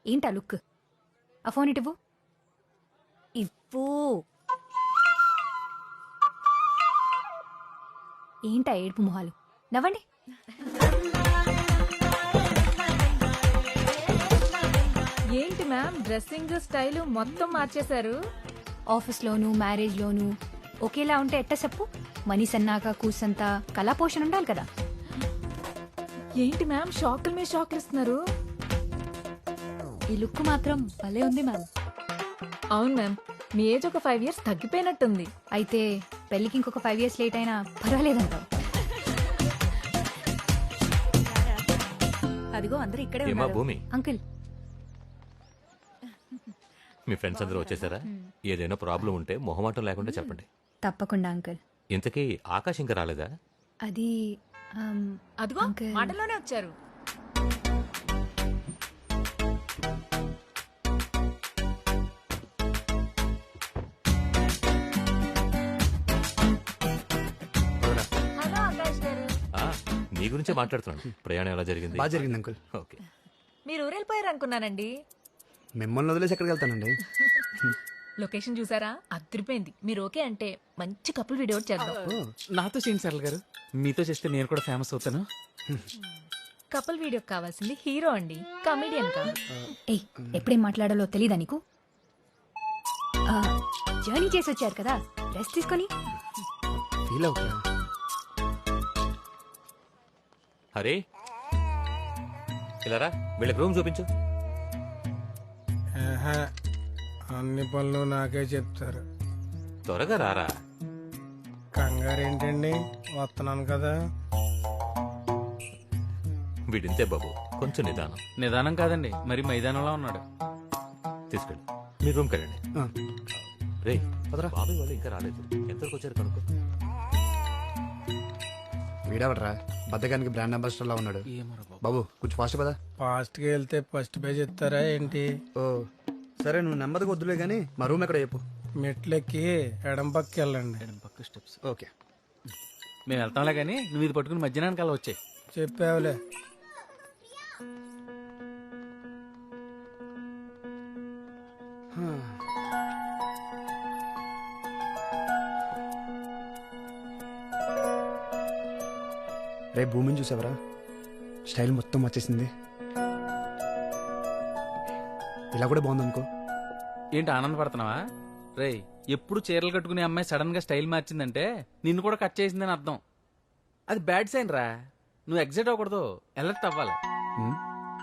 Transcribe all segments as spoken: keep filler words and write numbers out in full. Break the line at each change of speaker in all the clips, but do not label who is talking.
ఏంటా లుక్? ఆ ఫోన్ ఇటువు. ఇవ్వు. ఏంటా ఏడుపు మొహాలు? నవ్వండి.
ఏంటి మ్యామ్ డ్రెస్సింగ్ స్టైల్ మొత్తం మార్చేశారు?
ఆఫీస్లోను మ్యారేజ్లోను ఒకేలా ఉంటే ఎట్ట చెప్పు? మనీ సన్నాక కూసంత కళా పోషణ ఉండాలి కదా.
ఏంటి మ్యామ్ షాకుల మీద షాకులు ఇస్తున్నారు?
ఈ లుక్ మాత్రం భలే ఉంది మ్యామ్.
అవును మ్యామ్, మీ ఏజ్ ఒక ఫైవ్ ఇయర్స్ తగ్గిపోయినట్టుంది.
అయితే పెళ్ళికి ఇంకొక ఫైవ్ ఇయర్స్ లేట్ అయినా పర్వాలేదంటావు. అదిగో అందరూ ఇక్కడే
ఏమా
ఉన్నారు.
భూమి,
అంకుల్
మీ ఫ్రెండ్స్ అందరూ వచ్చేసారా? ఏదైనా ప్రాబ్లం ఉంటే మొహమాటం లేకుండా చెప్పండి.
తప్పకుండా అంకుల్.
ఇంతకీ ఆకాశ్ ఇంకా రాలేదా?
అది ఆమ్,
అదిగో
అంకుల్.
మాటల్లోనే వచ్చారు. హలో ఆకాష్ గారు.
ఆ, నీ గురించే మాట్లాడుతున్నాను. ప్రయాణం ఎలా జరిగింది?
బాగా జరిగింది అంకుల్.
ఓకే.
మీరు ఊరెళ్ళిపోయారు అనుకున్నానండి.
మిమ్మల్ని వదిలేసి ఎక్కడికి వెళ్తానండి?
లొకేషన్ చూసారా? అదిరిపోయింది. మీరు ఓకే అంటే మంచి కపుల్ వీడియో చేద్దాం.
నాతో చేయండి సరళ గారు, మీతో చేస్తే నేను కూడా ఫేమస్ అవుతాను.
కపుల్ వీడియో కావాల్సింది హీరో అండి, కమెడియన్ కాదు.
ఏయ్ ఎప్పుడేం మాట్లాడాలో తెలీదా నీకు? ఆ, జర్నీ చేసి వచ్చారు కదా, రెస్ట్ తీసుకొని.
ఫీల్ అవుతా.
హరే, ఇలా రా, వీళ్ళకి రూమ్ చూపించు.
ఆహా, అన్ని పనులు నాకే చెప్తారు.
త్వరగా రారా.
కంగారు ఏంటండి, వస్తున్నాను కదా.
వీడింతే బాబు, కొంచెం నిదానం.
నిదానం కాదండి, మరి మైదానంలో ఉన్నాడు.
తీసుకెళ్ళి మీ రూమ్ వెళ్ళండి.
ఆ,
రే బాబాయ్ వాళ్ళు ఇంకా రాలేదు, ఎంతవరకు వచ్చారు కనుక్కో.
వీడవడరా బద్దగానికి బ్రాండ్ అంబాసిడర్ లా ఉన్నాడు.
ఏమోరా బాబు.
బాబు కొంచెం ఫాస్ట్ కదా.
ఫాస్ట్గా వెళ్తే ఫస్ట్ పేజ్ ఇస్తారా ఏంటి?
ఓ సరే, నువ్వు నెమ్మదిగా వద్దులే గానీ మా రూమ్ ఎక్కడ చెప్పు.
మెట్లెక్కి ఎడం పక్కకి వెళ్ళండి.
ఎడం పక్క స్టెప్స్.
ఓకే.
మేము వెళ్తాంలే కానీ నువ్వు ఇది పట్టుకుని మధ్యాహ్నానికి అలా వచ్చాయి.
చెప్పావులే.
రేపు భూమిని చూసావరా? స్టైల్ మొత్తం వచ్చేసింది. ఇలా కూడా బాగుంది అనుకో.
ఏంటి ఆనందపడుతున్నావా? రేయ్, ఎప్పుడు చీరలు కట్టుకునే అమ్మాయి సడన్ గా స్టైల్ మార్చిందంటే నిన్ను కూడా కట్ చేసిందని అర్థం. అది బ్యాడ్ సైన్ రా. నువ్వు ఎగ్జైట్ అవ్వకూడదు, అలర్ట్ అవ్వాలి.
ఉమ్,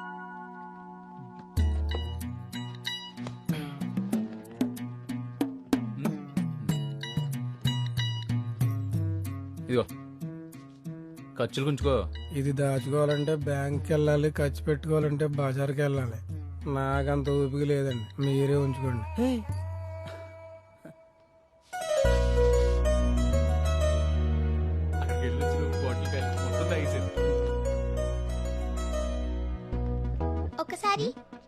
ఇదిగో ఖర్చులు గుంచుకో.
ఇది దాచుకోవాలంటే బ్యాంక్కి వెళ్ళాలి, ఖర్చు పెట్టుకోవాలంటే బజార్కి వెళ్ళాలి. నాకంత ఊపిక లేదండి, మీరే ఉంచుకోండి.
అక్కడికి వెళ్ళి వచ్చి నువ్వు బాటిల్ కాయలు మొత్తం తాగేసేది.
ఒకసారి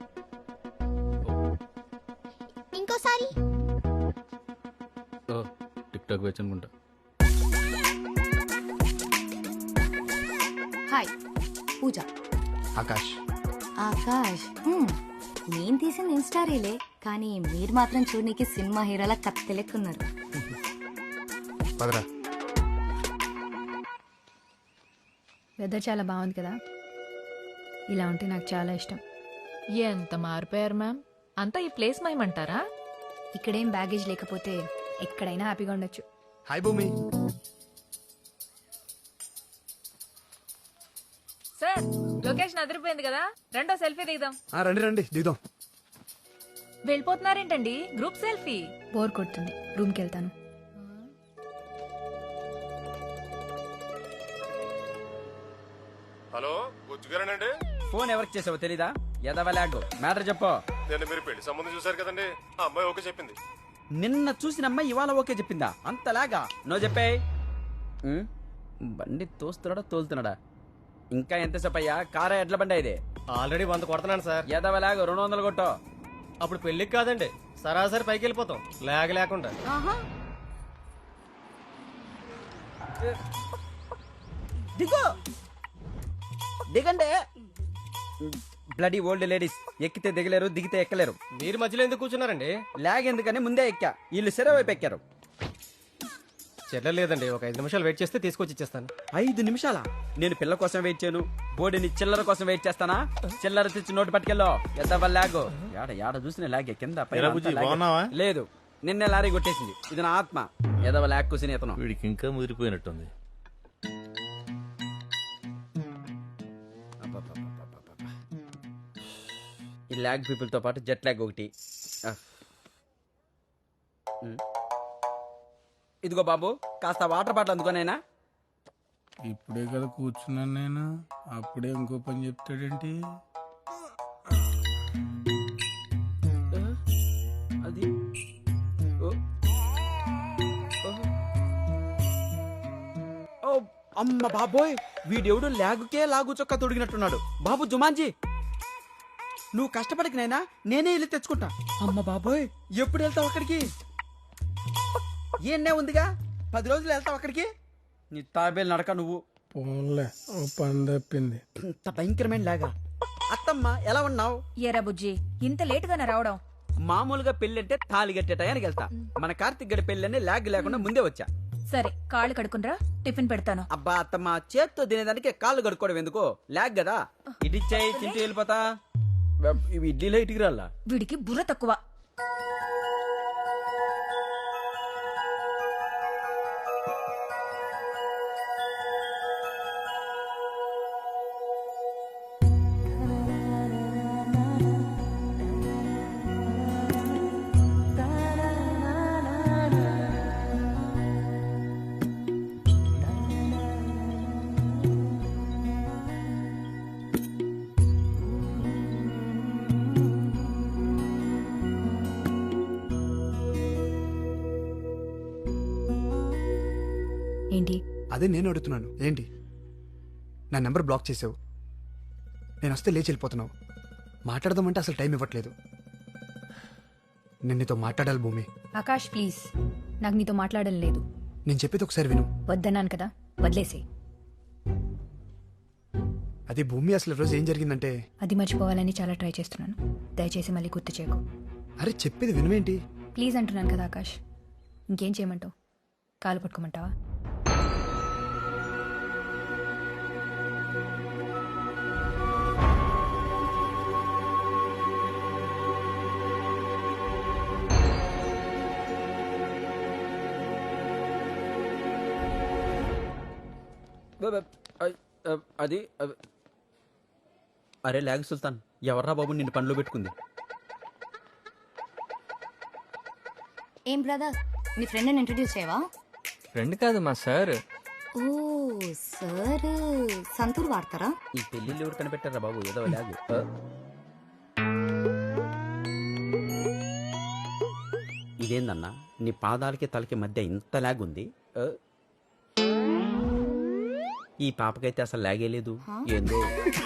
ఇంకోసారి
ఓ టిక్ టాక్ వచ్చి అనుకుంటా.
హాయ్ పూజ.
ఆకాష్.
ఆకాష్ హ్మ్. నేను తీసిన ఇన్స్టా రీలే, కానీ మీరు మాత్రం చూడనీకి సినిమా హీరోలా కత్తెలెక్కున్నారు.
పదరా.
వెదర్ చాలా బాగుంది కదా, ఇలా ఉంటే నాకు చాలా ఇష్టం.
ఎంత మారిపోయారు మ్యామ్. అంతా ఈ ప్లేస్ మయమంటారా?
ఇక్కడేం బ్యాగేజ్ లేకపోతే ఎక్కడైనా హ్యాపీగా ఉండొచ్చు.
హాయ్ భూమి.
సార్ లొకేషన్ అదిరిపోయింది కదా, రెండో సెల్ఫీ దిగుదాం.
ఆ, రండి రండి దిగుదాం.
వెళ్ళిపోతున్నారేంటండి? Group selfie.
బోర్ కొడుతుంది, రూమ్కి వెళ్తాను.
హలో గుజ్జుగారేనండి?
ఫోన్ ఎవరికి చేసావో తెలీదా? ఎదవలాగు మ్యాటర్ చెప్పు.
నేను మీరు పెళ్లి సంబంధం చూసారు కదండి, ఆ అమ్మాయి ఓకే చెప్పింది.
నిన్న చూసిన అమ్మాయి ఇవాళ ఓకే చెప్పిందా? అంతలాగా నో చెప్పే. బండి తోస్తున్నాడా తోలుతున్నాడా? ఇంకా ఎంతసేపు అయ్యా? కారా ఎడ్ల బండి ఇది?
ఆల్రెడీ వంద కొడుతున్నాను సార్.
ఎదవలాగు రెండు వందలు కొట్టో.
అప్పుడు పెళ్లికి కాదండి, సరాసరి పైకి వెళ్ళిపోతాం లేక లేకుండా.
దిగు దిగండి. బ్లడీ ఓల్డ్ లేడీస్ ఎక్కితే దిగలేరు దిగితే ఎక్కలేరు.
మీరు మధ్యలో ఎందుకు కూర్చున్నారండి?
లాగ్ ఎందుకని ముందే ఎక్కా, వీళ్ళు సెరవు వైపు ఎక్కారు.
చెల్లలేదండి, ఒక ఐదు నిమిషాలు వెయిట్ చేస్తే తీసుకొచ్చి ఇచ్చేస్తాను.
ఐదు నిమిషాలా? నేను పిల్ల కోసం వెయిట్ చేయను, బోడిని చిల్లర కోసం వెయిట్ చేస్తానా? చిల్లర తెచ్చి నోటు పట్టుకెళ్ళో ఎంత లాగు. యాడ యాడ చూసిన లాగే కింద పైన అంతా లాగే. లేదు, నిన్నే లారీ కొట్టేసింది. ఇది నా ఆత్మ. ఎదవ లాగ్ కూసిన ఇతను.
వీడికి ఇంకా ముదిరిపోయినట్టుంది.
అబ్బబ్బబ్బబ్బబ్బబ్బ. ఈ లాగ్ పీపుల్ తో పాటు జెట్ లాగ్ ఒకటి. ఆ. ఉమ్. ఇదిగో బాబు, కాస్త వాటర్ బాటిల్ అందుకోనైనా.
ఇప్పుడే కదా కూర్చున్నాను నేను, అప్పుడే ఇంకో పని చెప్తాడేంటి?
అది ఓ. ఓ, అమ్మ బాబోయ్, వీడెవడు లాగుకే లాగు చొక్కా తొడిగినట్టున్నాడు. బాబు జుమాన్జీ, నువ్వు కష్టపడికి నైనా నేనే వెళ్ళి తెచ్చుకుంటా. అమ్మ బాబోయ్, ఎప్పుడు వెళ్తావు అక్కడికి? ఏనే ఉందిగా, పది రోజులు వెళ్తావు అక్కడికి. నీ తాబేలు నడక నువ్వు.
పోన్లే, ఓ పని తప్పింది.
ఇంత భయంకరమైన లాగా. అత్తమ్మ ఎలా ఉన్నావు?
ఏరా బుజ్జి, ఇంత లేటుగానే రావడం?
మామూలుగా పెళ్ళంటే తాళి కట్టే టయానికి వెళ్తా. మన కార్తిక్ గడి పెళ్ళని లాగ్ లేకుండా ముందే వచ్చా.
సరే, కాళ్ళు కడుకునరా, టిఫిన్ పెడతాను.
అబ్బా అత్తమ్మ, చేత్తో తినేదానికి కాళ్ళు కడుక్కోవడం ఎందుకో? లాగ్ కదా. ఇడిచ్చాయి, తింటూ వెళ్ళిపోతా. ఇవి ఇడ్లీలో ఇటుకి రాలా.
వీడికి బుర్ర తక్కువ. ఏంటి?
అదే నేను అడుగుతున్నాను, ఏంటి? నా నెంబర్ బ్లాక్ చేసావు, నేను వస్తే లేచి వెళ్ళిపోతున్నావు. మాట్లాడదామంటే అసలు టైం ఇవ్వట్లేదు. నేను నీతో మాట్లాడాలి భూమి.
ఆకాష్ ప్లీజ్, నాకు నీతో మాట్లాడడం లేదు.
నేను చెప్పేది ఒకసారి విను.
వద్దన్నాను కదా, వదిలేసే.
అది భూమి, అసలు రోజు ఏం జరిగిందంటే,
అది మర్చిపోవాలని చాలా ట్రై చేస్తున్నాను. దయచేసి మళ్ళీ గుర్తు చేయకు.
అరే చెప్పేది వినువేంటి?
ప్లీజ్ అంటున్నాను కదా ఆకాష్. ఇంకేం చేయమంటావు? కాలు పట్టుకోమంటావా?
అది అరే లాగ్ సుల్తాన్, ఎవర్రా బాబు నిన్ను పనిలో పెట్టుకుంది?
ఏం బ్రదర్, నీ ఫ్రెండ్ని ఇంట్రడ్యూస్ చేయవా?
ఫ్రెండ్ కాదు, మా సార్.
ఓ సార్, సంతూర్ వాడతారా?
ఈ పెళ్లిళ్ళు ఎవరు కనిపెట్టారా బాబు? ఏదో లాగ్. ఇదేందన్నా, నీ పాదాలకి తలకి మధ్య ఇంత లాగ్ ఉంది. ఈ పాపకైతే అసలు లాగే లేదు. ఏందో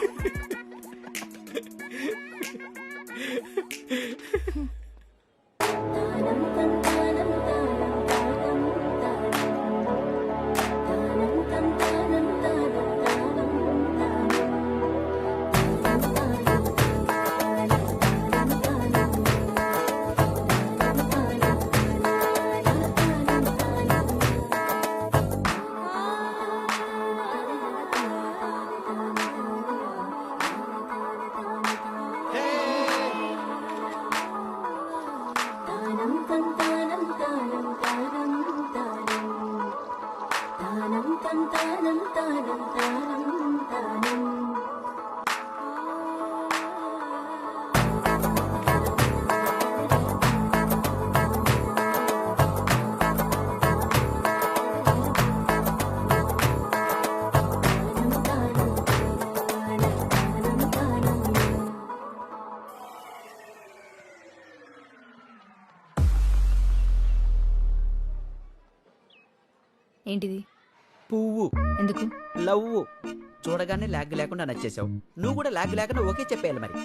ఏంటిది?
పువ్వు.
ఎందుకు?
లవ్. చూడగానే లాగ్ లేకుండా నచ్చేసావు. నువ్వు కూడా లాగ్ లేకుండా ఓకే చెప్పేయాలి మరి.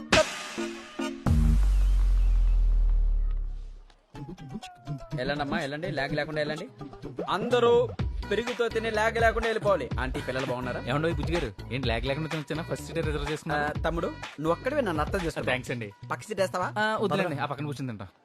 వెళ్ళండి అమ్మా, వెళ్ళండి. లాగ్ లేకుండా వెళ్ళండి. అందరూ పెరుగుతో తిని లేక లేకుండా వెళ్ళిపోవాలి ఆంటీ పిల్లలు బాగున్నారా
ఏమండో బుజ్జి గారు ఏంటి లేక లేకుండా తినొచ్చానా ఫస్ట్ సీట్ రిజర్వ్
ఆ,
చేసుకున్నా
తమ్ముడు నువ్వు ఒక్కడివే నన్ను అర్థం చేసుకో
థ్యాంక్స్ అండి
పక్క సీట్ వేస్తావా
ఆ, వద్దులేండి ఆ పక్కన కూర్చుని తింటాం